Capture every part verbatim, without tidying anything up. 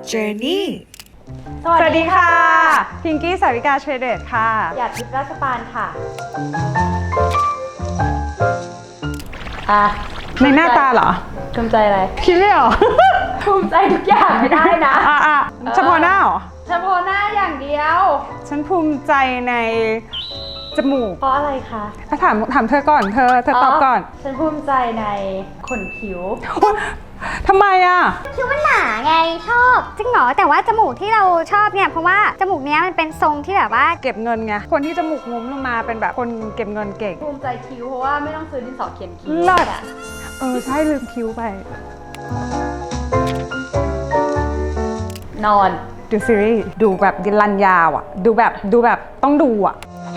Journey สวัสดีค่ะพิงกี้สาวิกาเทรเดตค่ะอยากทิพย์ราชปานค่ะอ่ะในหน้าตาเหรอภูมิใจอะไรคิดไม่ออกภูมิใจทุกอย่างไม่ได้นะอ่ะอ่ะเฉพาะหน้าเหรอเฉพาะหน้าอย่างเดียวฉันภูมิใจในจมูกเพราะอะไรคะถ้าถามถามเธอก่อน เธอเธอตอบก่อนฉันภูมิใจในขนคิ้วทำไมอ่ะคิ้วมันหนาไงชอบจริงเหรอแต่ว่าจมูกที่เราชอบเนี่ยเพราะว่าจมูกเนี้ยมันเป็นทรงที่แบบว่าเก็บเงินไง คนที่จมูกงุ้มลงมาเป็นแบบคนเก็บเงินเก่งภูมิใจคิ้วเพราะว่าไม่ต้องซื้อดินสอเขียนคิ้วเลิศอะเออ ใช่ลืมคิ้วไปนอนดูซีรีส์ดูแบบรันยาวอ่ะ ดูแบบดูแบบต้องดูอ่ะ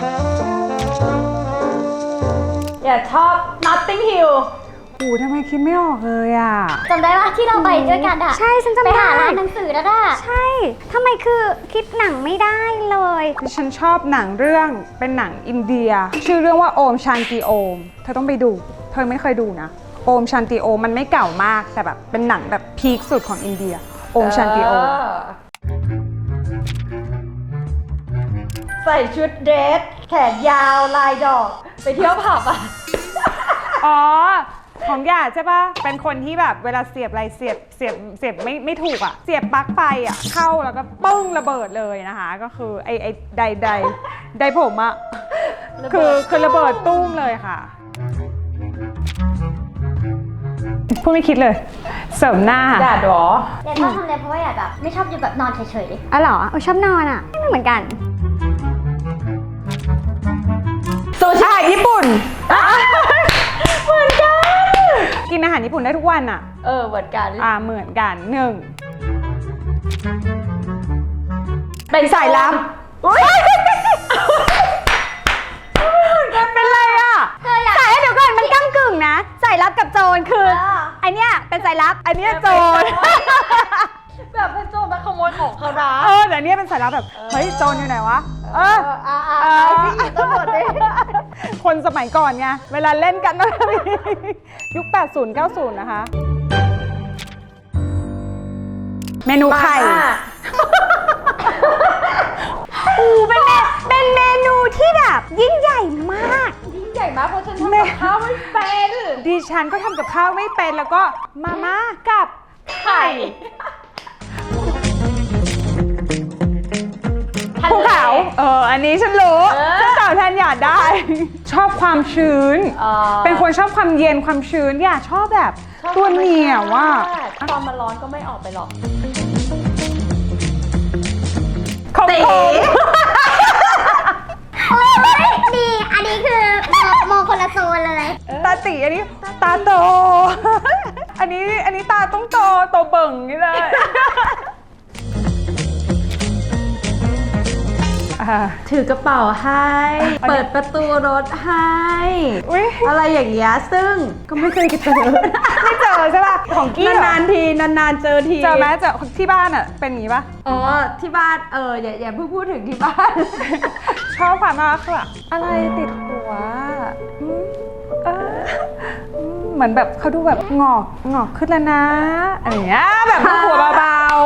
อย่าชอบ Notting Hill โอ้ทำไมคิดไม่ออกเลยอ่ะจำได้ปะที่เราไปด้วยกันอะใช่ฉันจำได้ไปหาร้านหนังสือแล้วอะใช่ทำไมคือคิดหนังไม่ได้เลยฉันชอบหนังเรื่องเป็นหนังอินเดีย ชื่อเรื่องว่าโอมชันติโอมเธอต้องไปดู เธอไม่เคยดูนะโอมชันติโอมมันไม่เก่ามากแต่แบบเป็นหนังแบบพีคสุดของอินเดียโอมชันติโอมใส่ชุดเดรสแขนยาวลายดอก ไปเที่ยวผับอ่ะอ๋อของหยาดใช่ปะเป็นคนที่แบบเวลาเสียบอะไรเสียบเสียบเสียบไม่ไม่ถูกอะเสียบปลั๊กไฟอะเข้าแล้วก็ปึ้งระเบิดเลยนะคะก็คือไอไอใดใดใดผมอะคือคือระเบิดตุ้มเลยค่ะพูดไม่คิดเลยเสริมหน้าอยากหรออยากชอบทำอะไรเพราะว่าอยากแบบไม่ชอบอยู่แบบนอนเฉยๆอ๋อเหรอเออชอบนอนอะไม่เหมือนกันซูชิอาหารญี่ปุ่นเหมือนกันกินอาหารญี่ปุ่นได้ทุกวันอะเออเหมือนกันอ่าเหมือนกันหนึ่งเป็นสายลับเป็นไรอ่ะเธออยากสายเดี๋ยวก่อนมันก้ำกึ่งนะสายลับกับโจรคือไอเนี้ยเป็นสายลับไอเนี้ยโจรแบบเป็นโจรมาขโมยของเขานะเออแต่เนี้ยเป็นสายลับแบบเฮ้ยโจรอยู่ไหนวะเอออ่าอ่าเออ่าอพี่หญิงตำรวจดิคนสมัยก่อนไงเวลาเล่นกันต้องมียุคแปดสิบ เก้าสิบนะคะเมนูไข่อูเป็นเมเป็นเมนูที่แบบยิ่งใหญ่มากยิ่งใหญ่มากเพราะฉันทำกับข้าวไม่เป็นดิฉันก็ทำกับข้าวไม่เป็นแล้วก็มาม่ากับไข่ภูเขาเอออันนี้ฉันรู้ฉันตอบแทนหยาดได้ ชอบความชื้น เป็นคนชอบความเย็นความชื้นอย่าชอบแบบตัวเหนียวว่าตอนมันร้อนก็ไม่ออกไปหรอกขมโอ้ยดีอันนี้คือมองคนละโซนเลยตาตีอันนี้ตาโต อันนี้อันนี้ตาต้องโตโตเบิ่งนี่เลยถือกระเป๋าให้ เปิดประตูรถให้อุ๊ยอะไรอย่างเงี้ยซึ่งก็ไม่เคยเจอไม่เจอใช่ป่ะของกี้เหรอนานๆทีนานๆเจอทีเจอไหมเจอที่บ้านอ่ะเป็นอย่างนี้ป่ะอ๋อที่บ้านเอออย่าอย่าเพิ่งพูดถึงที่บ้านชอบความน่ารักคือแบบอะไรติดหัวอืมเอออืมเหมือนแบบเขาดูแบบงอกงอกขึ้นแล้วนะอะไรอย่างเงี้ยแบบหัวเบาๆ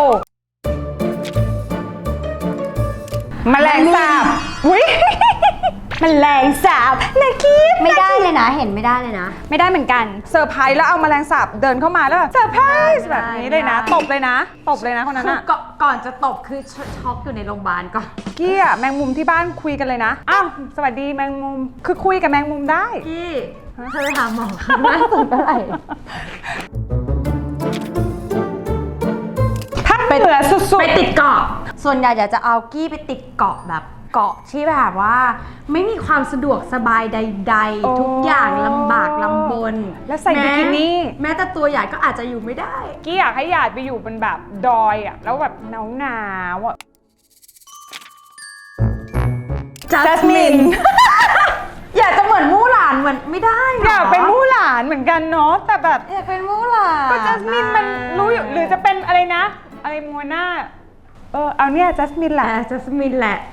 แมลงสาบอุ้ยแมลงสาบนากี้ไม่ได้เลยนะเห็นไม่ได้เลยนะไม่ได้เหมือนกันเซอร์ไพรส์แล้วเอาแมลงสาบเดินเข้ามาแล้วแบบเซอร์ไพรส์แบบนี้เลยนะตบเลยนะตบเลยนะคนนั้นคืออะก่อนก่อนจะตบคือชช็อกอยู่ในโรงพยาบาลก่อนกี้อะแมงมุมที่บ้านคุยกันเลยนะอ้าวสวัสดีแมงมุมคือคุยกับแมงมุมได้พี่เธอไปหาหมอครั้งล่าสุดเมื่อไหร่ถ้าเหนือสุดไปติดเกาะ ส่วนใหญ่อยากจะเอากี้ไปติดเกาะแบบเกาะที่แบบว่า ไม่มีความสะดวกสบายใดๆ ทุกอย่างลำบากลำบนแล้วใส่บิกินี่แม้แต่ตัวใหญ่ก็อาจจะอยู่ไม่ได้กี้อยากให้หยาดไปอยู่เป็นแบบดอยอะแล้วแบบหนาวหนาวๆอะ Jasmine อยากจะเหมือนมู่หลานเหมือนไม่ได้หรอยากเป็นมู่หลานเหมือนกันเนาะแต่แบบอยากเป็นมู่หลานก็จัสมินมันรู้อยู่หรือจะเป็นอะไรนะ อะไรมัวหน้าเออเอาเนี่ยจัสมินแหละแต่จัสมินแหละ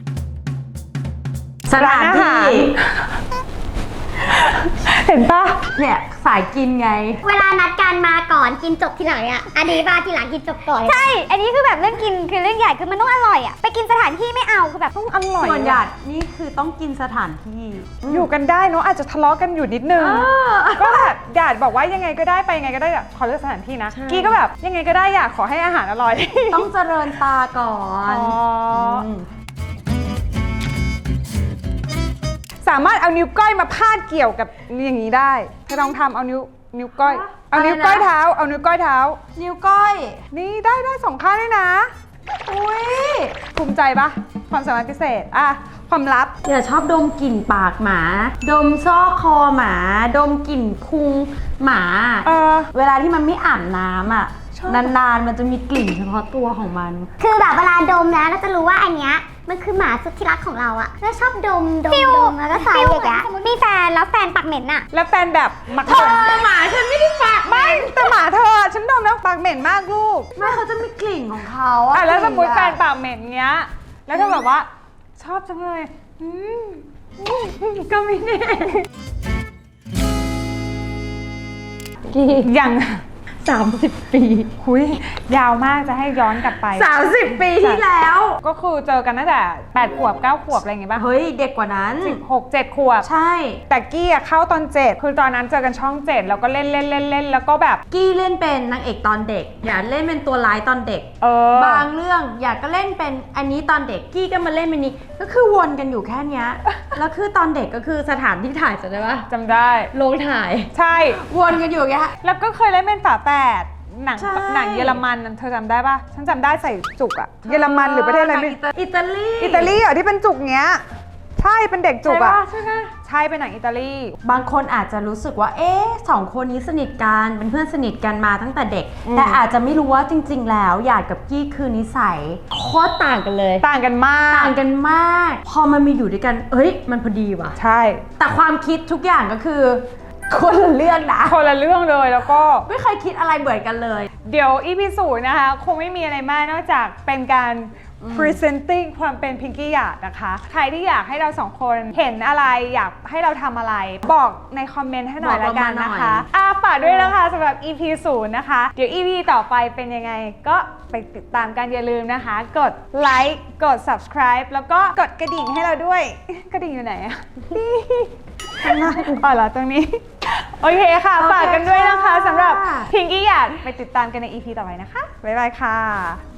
สถานร้านอาหาที่ร เห็นปะเนี่ยสายกินไงเวลานัดกันมาก่อนกินจบทีหลังอ่ะอันนี้มาทีหลังกินจบก่อนใช่อันนี้คือแบบเรื่องกินคือเรื่องใหญ่คือมันต้องอร่อยอ่ะไปกินสถานที่ไม่เอาคือแบบต้องอร่อยส่วนหยาดนี่คือต้องกินสถานที่อยู่กันได้เนอะอาจจะทะเลาะกันอยู่นิดนึงเออก็แบบหยาดบอกว่ายังไงก็ได้ไปยังไงก็ได้แบบขอเลือกสถานที่นะใช่กี้ก็แบบยังไงก็ได้อยากขอให้อาหารอร่อยต้องเจริญตาก่อนอ๋อมสามารถเอานิ้วก้อยมาพาดเกี่ยวกับอย่างนี้ได้เธอลองทำเอานิ้วนิ้วก้อย เอานิ้วก้อยเท้า เอานิ้วก้อยเท้านิ้วก้อยนี่ได้ได้สองข้างด้วยนะอุ้ยภูมิใจปะความสามารถพิเศษอ่ะความลับอย่าชอบดมกลิ่นปากหมา ดมซอกคอหมา ดมกลิ่นพุงหมาเออเวลาที่มันไม่อาบน้ำอ่ะชอบนานๆมันจะมีกลิ่นเฉพาะตัวของมันคือแบบเวลาดมนะเราจะรู้ว่าอันเนี้ยมันคือหมาสุดที่รักของเราอะแล้วชอบดมดมดมแล้วก็ใส่อย่างเงี้ยสมมติมีแฟนแล้วแฟนปากเหม็นอะแล้วแฟนแบบมักเธอหมาฉันไม่ได้ปากไม่แต่หมาเธอฉันดมแล้วปากเหม็นมากลูกไม่เขาจะมีกลิ่นของเขาอ่ะแล้วสมมติกแฟลิ่นปากเหม็นเงี้ย แล้วเธอแบบว่าชอบจังเลยอืมก็ไม่แน่ยังสามสิบปีคุยยาวมากจะให้ย้อนกลับไปสามสิบปีที่แล้วก็คือเจอกันตั้งแต่แปดขวบเก้าขวบอะไรอย่างเงี้ยป่ะเฮ้ยเด็กกว่านั้นสิบหกเจ็ดขวบใช่แต่กี้อะเข้าตอนเจ็ดคือตอนนั้นเจอกันช่องเจ็ดแล้วก็เล่นเล่นเล่นเล่นแล้วก็แบบกี้เล่นเป็นนางเอกตอนเด็ก อย่าเล่นเป็นตัวร้ายตอนเด็กเออบางเรื่องอยากก็เล่นเป็นอันนี้ตอนเด็กกี้ก็มาเล่นเป็นนี้ก็คือวนกันอยู่แค่เนี้ย แล้วคือตอนเด็กก็คือสถานที่ถ่ายจำได้ปะจำได้โรงถ่ายใช่วนกันอยู่อย่างเงี้ยแล้วก็เคยเล่นเป็นฝาแฝดหนังใช่หนังเยอรมันเธอจำได้ปะฉันจำได้ใส่จุกอะเยอรมันหรือประเทศอะไรไม่อิตาลีอิตาลีเหรอที่เป็นจุกเงี้ย ใช่เป็นเด็กจุกอะใช่ไหมใช่เป็นหนังอิตาลีบางคนอาจจะรู้สึกว่าเอ๊ะสองคนนี้สนิทกันเป็นเพื่อนสนิทกันมาตั้งแต่เด็กอืมแต่อาจจะไม่รู้ว่าจริง ๆ แล้วหยาดกับกี้คือนิสัยโคตรต่างกันเลยต่างกันมากต่างกันมาก พอมันมาอยู่ด้วยกันเอ้ยมันพอดีว่ะใช่แต่ความคิดทุกอย่างก็คือคนละเรื่องนะคนละเรื่องเลยแล้วก็ไม่เคยคิดอะไรเหมือนกันเลยเดี๋ยวอีพีศูนย์นะคะ คงไม่มีอะไรมากนอกจากเป็นการ presenting ความเป็นพิงกี้หยาดนะคะ ใครที่อยากให้เราสองคนเห็นอะไรอยากให้เราทำอะไร บอกในคอมเมนต์ให้หน่อยบอกละเรากัมาน หน่อยนะคะอ่ะฝากด้วยนะคะสำหรับ อี พี ศูนย์นะคะ เดี๋ยว อี พี ต่อไปเป็นยังไง ก็ไปติดตามกันอย่าลืมนะคะ กดไลค์กด subscribe แล้วก็กดกระดิ่งให้เราด้วย กระดิ่งอยู่ไหนอะ ข้างหน้าอ๋อเหรอตรงนี้ โอเคค่ะ ฝากกันด้วยนะคะสำหรับพิงกี้หยาดไปติดตามกันใน อี พี ต่อไปนะคะ บ๊ายบายค่ะ